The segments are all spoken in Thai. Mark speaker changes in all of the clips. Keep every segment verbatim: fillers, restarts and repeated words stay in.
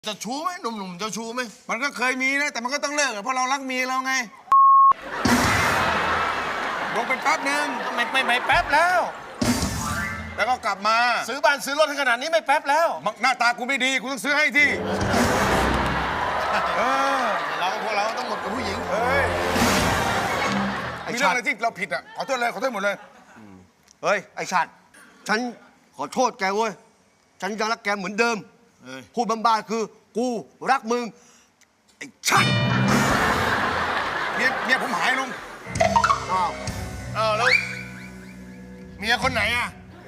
Speaker 1: จะชู้ไหมหนุ่มๆจะชู้ไหม
Speaker 2: มันก็เคยมีนะแต่มันก็ต้องเลิกอะเพราะเรารักเมียเราไงลงเป็นแป๊บหนึ่ง
Speaker 1: ไม่ไม่ไม่แป๊บแล้ว
Speaker 2: แล้วก็กลับมา
Speaker 1: ซื้อบ้านซื้อรถให้ขนาดนี้ไม่แป๊บแล้ว
Speaker 2: หน้าตากูไม่ดีกูต้องซื้อให้ที่เออ
Speaker 1: เราพวกเราต้องหมดกับผู้หญิง
Speaker 2: เฮ้ยมีเรื่องอะไรที่เราผิดอ่ะขอโทษเลยขอโทษหมดเลย
Speaker 3: เฮ้ย ไอ้ชัดฉันขอโทษแกเว้ย ฉันยังรักแกเหมือนเดิม
Speaker 1: เอ้ย
Speaker 3: พูดบ้าๆคือ กูรักมึง ไอ้ชัด
Speaker 2: เมียเมียผมหายลุง
Speaker 3: อ้าว
Speaker 1: อ้าวแล้วเมียคนไหนอ่ะ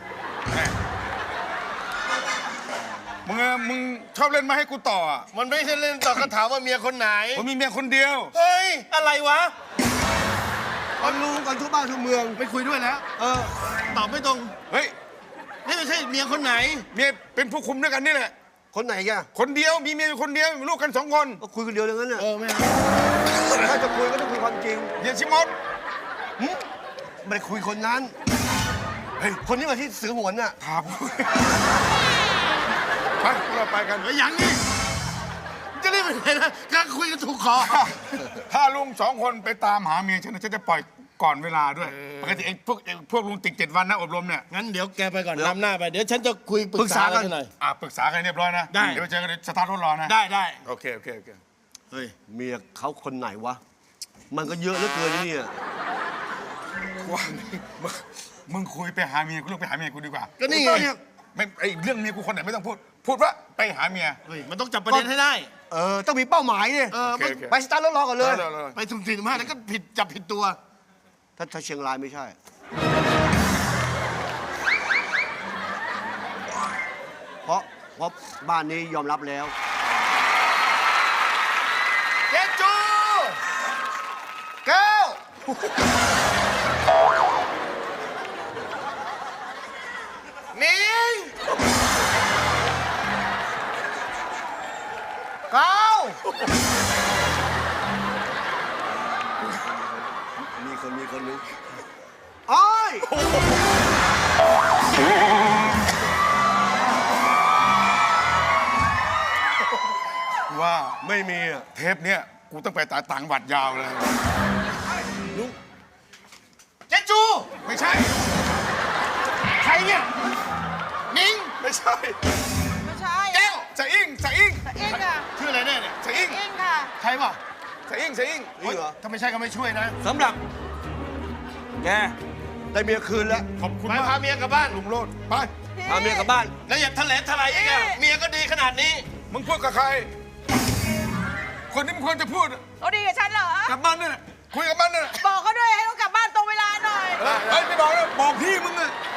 Speaker 2: มึงอะมึงชอบเล่นมาให้กูต่ออะ
Speaker 1: มันไม่ใช่เล่นต่อคำถามว่าเมียคนไหน
Speaker 2: ผมมีเมียคนเดียว
Speaker 1: เฮ้ยอะไรวะ
Speaker 3: มันรู้กันทุกบ้านทุกเมือง
Speaker 1: ไม่คุยด้วยแล้ว
Speaker 3: เออ
Speaker 1: ตอบไม่ตรง
Speaker 2: เฮ้ย
Speaker 1: นี่ไม่ใช่เมียคนไหน
Speaker 2: เมียเป็นผู้คุมด้วยกันนี่แหละ
Speaker 3: คนไหนแก
Speaker 2: คนเดียวมีเมียอยู่คนเดียวมีลูกกันสองคน
Speaker 3: ก็คุยกันเดียวอย่างนั้นน่ะ
Speaker 1: เออไม่เอา
Speaker 3: ถ้าจะคุยก็ต้องคุยความจริง
Speaker 2: เฮียชิมด
Speaker 3: หึไม่ได้คุยคนนั้น เฮ้ย คนนี้มาที่สือหวนน่ะ
Speaker 2: ถามไปพวกเราไปกัน
Speaker 1: เฮ้ยยังนี่จะรีบไปไหนนะกำลังคุยกันถูกคอ
Speaker 2: ถ้าลุงสองคนไปตามหาเมียฉันนะฉันจะปล่อยก่อนเวลาด้วยปกติไอ้พวกไอ้พวกลุงติดเจ็ดวันนะอบรมเนี่ย
Speaker 1: งั้นเดี๋ยวแกไปก่อนนำหน้าไปเดี๋ยวฉันจะคุยปรึ
Speaker 3: ปรึ
Speaker 1: ก
Speaker 3: ก
Speaker 1: ษา
Speaker 3: ษากั
Speaker 1: กัน
Speaker 3: น
Speaker 1: หน่อย
Speaker 2: อ่ะปรึกษากันเรียบร้อยนะ
Speaker 1: ได้
Speaker 2: เดี๋ยวไปเจอกันสตาร์ทรถรอนะ
Speaker 1: ได้ได้
Speaker 2: โอเคโอเคโอเค
Speaker 1: เฮ้ย
Speaker 3: เมียเขาคนไหนวะ มันก็เยอะเหลือเกินนะเนี่ย
Speaker 2: ว่ามึงมึงคุยไปหาเมียกูเรื่องไปหาเมียกูดีกว่า
Speaker 1: ก็นี่ไง
Speaker 2: ไม่ไอ้เรื่องเมียกูคนไหนไม่ต้องพูด พูดว่าไปหาเมีย
Speaker 1: เฮ้ยมันต้องจับประเด็นให้ได้
Speaker 3: เออ ต้องมีเป้าหมายเนี่ย
Speaker 1: เออ
Speaker 2: โอเค
Speaker 1: มัน
Speaker 2: โอเค
Speaker 3: ไปสตาร์ทรถรอก่อนเลย
Speaker 2: เร็วๆ
Speaker 1: ไปสุ่มสี่สุ่มห้าแล้วก็ผิดจับผิดตัว
Speaker 3: ถ้าถ้าเชียงรายไม่ใช่ เพราะเพราะบ้านนี้ยอมรับแล้ว
Speaker 1: เจจูเก้านิงเก้า
Speaker 3: มีคนมีคนนึงอ้อย
Speaker 2: ว่า
Speaker 3: ไม่มีอ่ะ
Speaker 2: เทปเนี้ยกูต้องไปตาต่างวัดยาวเลย
Speaker 1: เจจู
Speaker 2: ไม่ใช่
Speaker 1: ใครเนี่ยนิง
Speaker 2: ไม่ใช่
Speaker 4: ไม่ใช่
Speaker 1: แก้ว
Speaker 2: จะอิงจะอิง
Speaker 4: เอ็งค่ะ
Speaker 1: ชื่ออะไรแน่เนี่ย
Speaker 2: จะอิง
Speaker 4: เอ็งค่ะ
Speaker 1: ใครวะ
Speaker 2: จะอิงจะอิง
Speaker 3: นี่เหรอ
Speaker 1: ถ้าไม่ใช่ก็ไม่ช่วยนะ
Speaker 3: สำหรับ แก ได้เมียคืนแล้ว
Speaker 2: ขอบคุณ
Speaker 1: ไป
Speaker 2: มาก
Speaker 1: พาเมียกลับบ้าน
Speaker 2: ลุงโลดไป
Speaker 4: พี่
Speaker 3: พาเมียกลับบ้าน
Speaker 1: แล้วอย่าทะเลทลายอีกอะเมียก็ดีขนาดนี้
Speaker 2: มึงพูดกับใคร คนที่มึงควรจะพูด
Speaker 4: เขาดีกับฉันเหรอ
Speaker 2: กับมันเนี่ยคุยกับมันเนี่ย
Speaker 4: บอกเขาด้วยให้เขากลับบ้านตรงเวลาหน่อย
Speaker 2: เฮ้ยไม่บอกแล้วบอกพี่มึงอะ
Speaker 4: พ